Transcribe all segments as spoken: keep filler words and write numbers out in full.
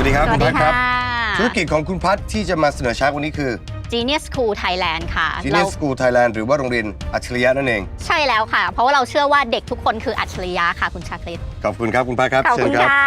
วัสดีครับคุณพัฒครับธุรกิจของคุณพัฒที่จะมาเสนอชาร์กวันนี้คือ Genius School Thailand ค่ะ Genius School Thailand หรือว่าโรงเรียนอัจฉริยะนั่นเองใช่แล้วค่ะเพราะว่าเราเชื่อว่าเด็กทุกคนคืออัจฉริยะค่ะคุณชาคริตขอบคุณครับคุณพัฒครับขอบคุณค่ะ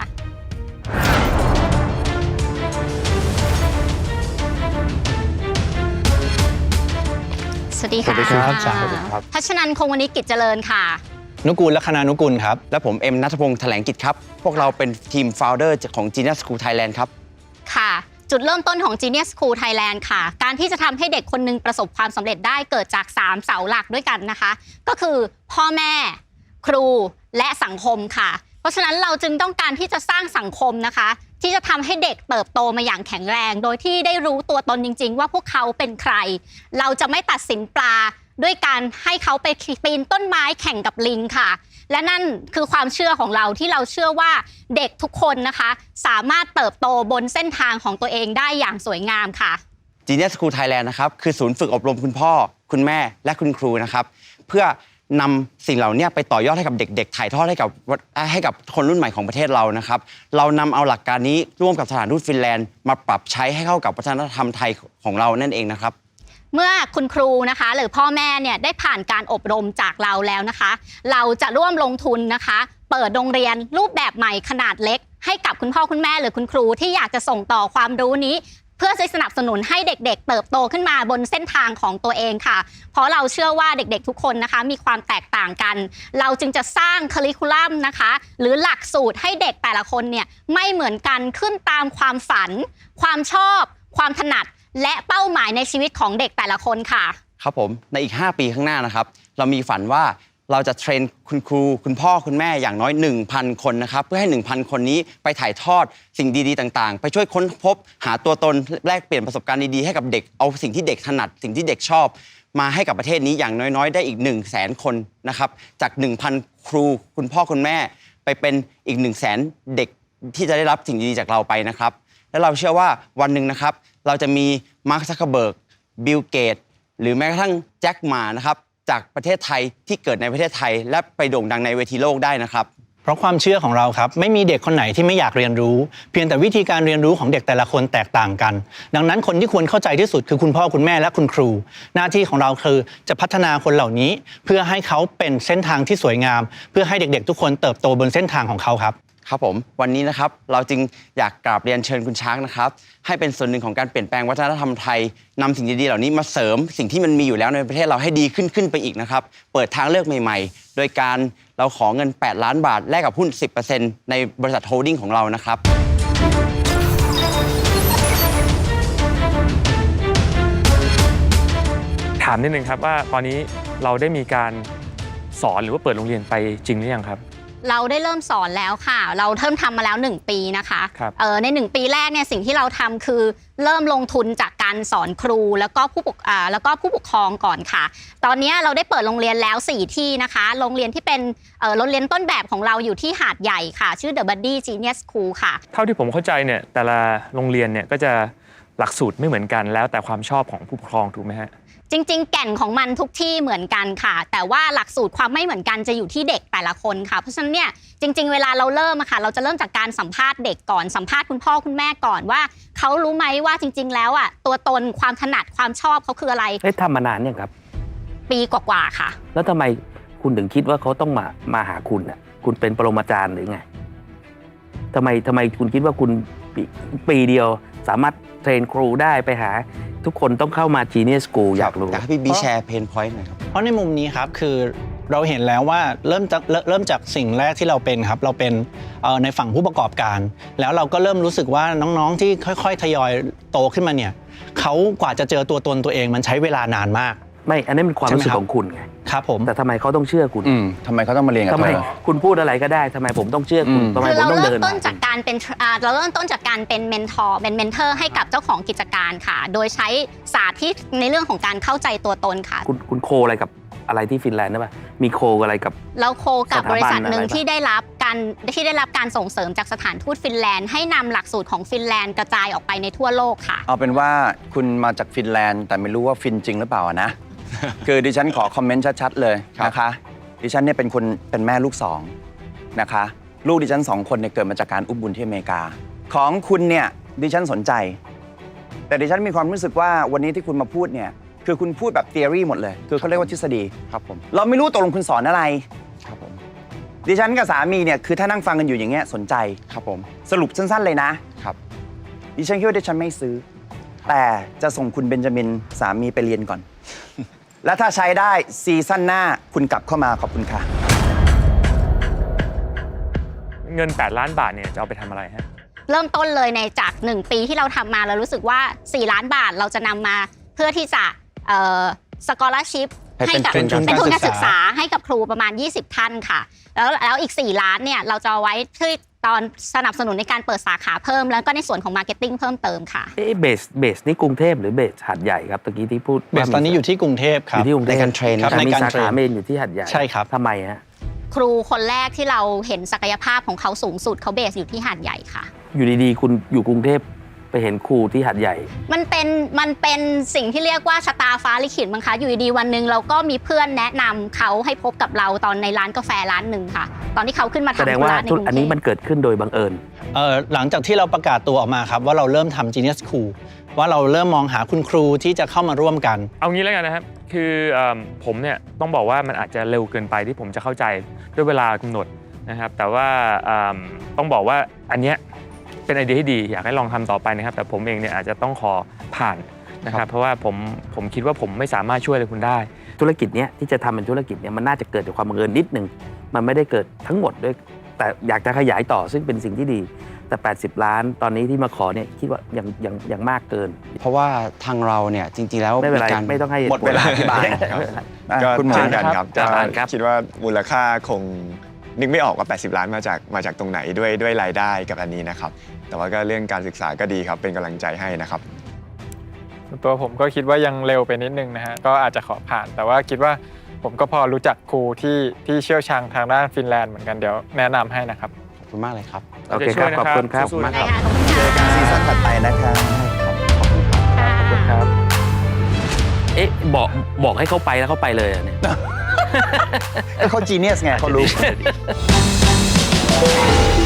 สวัสดีค่ะพัชนันท์คงวณิชกิจเจริญค่ะนุกูล ลัคนานุกูลครับและผมเอ็มณัฐพงษ์แถลงกิจครับพวกเราเป็นทีม Founder ของ Genius School Thailand ครับค่ะจุดเริ่มต้นของ Genius School Thailand ค่ะการที่จะทำให้เด็กคนนึงประสบความสำเร็จได้เกิดจากสามเสาหลักด้วยกันนะคะก็คือพ่อแม่ครูและสังคมค่ะเพราะฉะนั้นเราจึงต้องการที่จะสร้างสังคมนะคะที่จะทำให้เด็กเติบโตมาอย่างแข็งแรงโดยที่ได้รู้ตัวตนจริงๆว่าพวกเขาเป็นใครเราจะไม่ตัดสินปลาด้วยการให้เขาไปปีนต้นไม้แข่งกับลิงค่ะและนั่นคือความเชื่อของเราที่เราเชื่อว่าเด็กทุกคนนะคะสามารถเติบโตบนเส้นทางของตัวเองได้อย่างสวยงามค่ะ Genius School Thailand นะครับคือศูนย์ฝึกอบรมคุณพ่อคุณแม่และคุณครูนะครับเพื่อนำสิ่งเหล่านี้ไปต่อยอดให้กับเด็กๆถ่ายทอดให้กับให้กับคนรุ่นใหม่ของประเทศเรานะครับเรานำเอาหลักการนี้ร่วมกับสถานทูตฟินแลนด์มาปรับใช้ให้เข้ากับวัฒนธรรมไทยของเรานั่นเองนะครับเมื่อคุณครูนะคะหรือพ่อแม่เนี่ยได้ผ่านการอบรมจากเราแล้วนะคะเราจะร่วมลงทุนนะคะเปิดโรงเรียนรูปแบบใหม่ขนาดเล็กให้กับคุณพ่อคุณแม่หรือคุณครูที่อยากจะส่งต่อความรู้นี้เพื่อสนับสนุนให้เด็กๆเติบโตขึ้นมาบนเส้นทางของตัวเองค่ะเพราะเราเชื่อว่าเด็กๆทุกคนนะคะมีความแตกต่างกันเราจึงจะสร้างคริคูลัมนะคะหรือหลักสูตรให้เด็กแต่ละคนเนี่ยไม่เหมือนกันขึ้นตามความฝันความชอบความถนัดและเป้าหมายในชีวิตของเด็กแต่ละคนค่ะครับผมในอีกห้าปีข้างหน้านะครับเรามีฝันว่าเราจะเทรนคุณครูคุณพ่อคุณแม่อย่างน้อย หนึ่งพัน คนนะครับเพื่อให้ หนึ่งพัน คนนี้ไปถ่ายทอดสิ่งดีๆต่างๆไปช่วยค้นพบหาตัวตนแลกเปลี่ยนประสบการณ์ดีๆให้กับเด็กเอาสิ่งที่เด็กถนัดสิ่งที่เด็กชอบมาให้กับประเทศนี้อย่างน้อยๆได้อีก หนึ่งแสน คนนะครับจาก หนึ่งพัน ครูคุณพ่อคุณแม่ไปเป็นอีก หนึ่งแสน เด็กที่จะได้รับสิ่งดีๆจากเราไปนะครับและเราเชื่อว่าวันหนึ่งนะครับเราจะมีมาร์ค ซักเคอร์เบิร์ก บิล เกตส์หรือแม้กระทั่งแจ็คหม่านะครับจากประเทศไทยที่เกิดในประเทศไทยและไปโด่งดังในเวทีโลกได้นะครับเพราะความเชื่อของเราครับไม่มีเด็กคนไหนที่ไม่อยากเรียนรู้เพียงแต่วิธีการเรียนรู้ของเด็กแต่ละคนแตกต่างกันดังนั้นคนที่ควรเข้าใจที่สุดคือคุณพ่อคุณแม่และคุณครูหน้าที่ของเราคือจะพัฒนาคนเหล่านี้เพื่อให้เขาเป็นเส้นทางที่สวยงามเพื่อให้เด็กๆทุกคนเติบโตบนเส้นทางของเขาครับครับผมวันนี้นะครับเราจึงอยากกราบเรียนเชิญคุณช้างนะครับให้เป็นส่วนหนึ่งของการเปลี่ยนแปลงวัฒนธรรมไทยนำสิ่งดีๆเหล่านี้มาเสริมสิ่งที่มันมีอยู่แล้วในประเทศเราให้ดีขึ้นขึ้นไปอีกนะครับเปิดทางเลือกใหม่ๆโดยการเราขอเงินแปดล้านบาทแลกกับหุ้น สิบเปอร์เซ็นต์ ในบริษัทโฮลดิ้งของเรานะครับถามนิดนึงครับว่าตอนนี้เราได้มีการสอนหรือว่าเปิดโรงเรียนไปจริงหรือยังครับเราได้เริ่มสอนแล้วค่ะเราเริ่มทำมาแล้วหนึ่งปีนะคะเออในหนึ่งปีแรกเนี่ยสิ่งที่เราทำคือเริ่มลงทุนจากการสอนครูแล้วก็ผู้ปกอ่าแล้วก็ผู้ปกครองก่อนค่ะตอนนี้เราได้เปิดโรงเรียนแล้วสี่ที่นะคะโรงเรียนที่เป็นเออโรงเรียนต้นแบบของเราอยู่ที่หาดใหญ่ค่ะชื่อ The Buddy Genius School ค่ะเท่าที่ผมเข้าใจเนี่ยแต่ละโรงเรียนเนี่ยก็จะหลักสูตรไม่เหมือนกันแล้วแต่ความชอบของผู้ปกครองถูกไหมฮะจริงๆแก่นของมันทุกที่เหมือนกันค่ะแต่ว่าหลักสูตรความไม่เหมือนกันจะอยู่ที่เด็กแต่ละคนค่ะเพราะฉะนั้นเนี่ยจริงๆเวลาเราเริ่มอะค่ะเราจะเริ่มจากการสัมภาษณ์เด็กก่อนสัมภาษณ์คุณพ่อคุณแม่ก่อนว่าเขารู้ไหมว่าจริงๆแล้วอะตัวตนความถนัดความชอบเขาคืออะไรเฮ้ยทำมานานยังครับปีกว่าๆค่ะแล้วทำไมคุณถึงคิดว่าเขาต้องมามาหาคุณอ่ะคุณเป็นปรมาจารย์หรือไงทำไมทำไมคุณคิดว่าคุณปีปีเดียวสามารถเทรนครูได้ไปหาทุกคนต้องเข้ามา Genius School อยากรู้อยากให้พี่บีแชร์เพนพอยต์หน่อยครับเพราะในมุมนี้ครับคือเราเห็นแล้วว่าเริ่มจากเริ่มจากสิ่งแรกที่เราเป็นครับเราเป็นในฝั่งผู้ประกอบการแล้วเราก็เริ่มรู้สึกว่าน้องๆที่ค่อยๆทยอยโตขึ้นมาเนี่ยเขากว่าจะเจอตัวตนตัวเองมันใช้เวลานานมากไม่อันนี้เป็นความรู้สึกของคุณไงครับผมแต่ทำไมเขาต้องเชื่อคุณทำไมเขาต้องมาเรียนกับทำไมคุณพูดอะไรก็ได้ทำไมผมต้องเชื่อคุณทำไมผมต้องเดินเราเริ่มต้นจากการเป็นเราเริ่มต้นจากการเป็นเมนทอร์เป็นเมนเทอร์ให้กับเจ้าของกิจการค่ะโดยใช้ศาสตร์ที่ในเรื่องของการเข้าใจตัวตนค่ะคุณคุณโคอะไรกับอะไรที่ฟินแลนด์ได้ป่ะมีโคอะไรกับเราโคกับบริษัทหนึ่งที่ได้รับการที่ได้รับการส่งเสริมจากสถานทูตฟินแลนด์ให้นำหลักสูตรของฟินแลนด์กระจายออกไปในทั่วโลกค่ะเอาเป็นว่าคุณมาจากฟินแลนด์แต่ไม่รู้ว่าฟินจริงหรือเปล่านะ คือดิฉันขอคอมเมนต์ชัดๆเลยนะคะดิฉันเนี่ยเป็นคนเป็นแม่ลูกสองนะคะลูกดิฉันสองคนเนี่ยเกิดมาจากการอุ้มบุญที่อเมริกาของคุณเนี่ยดิฉันสนใจ แต่ดิฉันมีความรู้สึกว่าวันนี้ที่คุณมาพูดเนี่ยคือคุณพูดแบบ theory หมดเลย คือเขาเรียกว่าทฤษฎีครับผมเราไม่รู้ตกลงคุณสอนอะไรครับผมดิฉันกับสามีเนี่ยคือถ้านั่งฟังกันอยู่อย่างเงี้ยสนใจครับผมสรุปสั้นๆเลยนะครับ ดิฉันคิดว่าดิฉันไม่ซื้อ แต่จะส่งคุณเบนจามินสามีไปเรียนก่อน และถ้าใช้ได้ซีซั่นหน้าคุณกลับเข้ามาขอบคุณค่ะเงินแปดล้านบาทเนี่ยจะเอาไปทำอะไรฮะเริ่มต้นเลยในจากหนึ่งปีที่เราทำมาเรารู้สึกว่าสี่ล้านบาทเราจะนำมาเพื่อที่จะเอ่อสกอลชิพให้เป็นกัทุนการเป็นทุนการศึศึกกษาษาให้กับครูประมาณ ยี่สิบ ท่านค่ะ แล้วแล้วอีก สี่ ล้านเนี่ยเราจะเอาไว้ที่ตอนสนับสนุนในการเปิดสาขาเพิ่ม แล้วก็ในส่วนของมาร์เก็ตติ้งเพิ่มเติมค่ะเอ๊ะเบสเบสนี่กรุงเทพหรือเบสหัดใหญ่ครับตะกี้ที่พูดเบสตอนนี้อยู่ที่กรุงเทพคอรับยู่ที่กรุงเทพในการเทรนครับแต่ในมีการสาเทรขาน เมนอยู่ที่หัดใหญ่ใช่ครับทำไมฮะครูคนแรกที่เราเห็นศักยภาพของเขาสูงสุดเขาเบสอยู่ที่หาดใหญ่ค่ะอยู่ดีๆ คุณอยู่กรุงเทพไปเห็นครูที่หัดใหญ่มันเป็นมันเป็นสิ่งที่เรียกว่าชะตาฟ้าลิขิตมั้งคะอยู่ดีๆวันหนึ่งเราก็มีเพื่อนแนะนำเขาให้พบกับเราตอนในร้านกาแฟร้านหนึ่งค่ะ ตอนที่เขาขึ้นมาแสทำดงธุว่าระในกธุรรุงอันเทนี้พมันเกิดขึ้นโดยบังเอิญเอ่อหลังจากที่เราประกาศตัวออกมาครับว่าเราเริ่มทำ Genius School ว่าเราเริ่มมองหาคุณครูที่จะเข้ามาร่วมกันเอางี้แล้วกันนะครับ คือเอิ่มผมเนี่ยต้องบอกว่ามันอาจจะเร็วเกินไปที่ผมจะเข้าใจด้วยเวลากำหนดนะครับ แต่ว่าเอิ่มต้องบอกว่าอันเนี้ยเป็นไอเดียที่ดีอยากให้ลองทำต่อไปนะครับ แต่ผมเองเนี่ยอาจจะต้องขอผ่านนะครับ เพราะว่าผมผมคิดว่าผมไม่สามารถช่วยอะไรคุณได้ธุรกิจเนี้ยที่จะทำเป็นธุรกิจเนี่ยมันน่าจะเกิดจากความบังเอิญนิดนึงมันไม่ได้เกิดทั้งหมดด้วยแต่อยากจะขยายต่อซึ่งเป็นสิ่งที่ดี แต่ แปดสิบ ล้านตอนนี้ที่มาขอเนี่ยคิดว่ายังยังยังมากเกินเพราะว่าทางเราเนี่ยจริงๆแล้วไม่เป็นไรการไม่ต้องให้หมดเวลาอธิบายครับอ่ะก็คุณหมอเช่นกันครับครัก็บผ่านครับคิดว่ามูลค่าคงนึกไม่ออกว่า แปดสิบ ล้านมาจากมาจากตรงไหนด้วยด้วยรายได้กับอันนี้นะครับ แต่ว่าก็เรื่องการศึกษาก็ดีครับ เป็นกำลังใจให้นะครับส่วนตัวผมก็คิดว่ายังเร็วไปนิดนึงนะฮะก็อาจจะขอผ่าน แต่ว่าคิดว่าผมก็พอรู้จักครูที่ที่เชี่ยวชาญทางด้านฟินแลนด์เหมือนกันเดี๋ยวแนะนำให้นะครับขอบคุณมากเลยครับโอเคครับ ขอบคุณครับสู้ๆนะได้ครับค่ะขอบคุณค่ะซีซั่นถัดไปนะครับขอบคุณครับเอ๊ะบอกบอกให้เขาไปแล้วเขาไปเลยอะเนี่ยก็เขา genius ไงเขารู้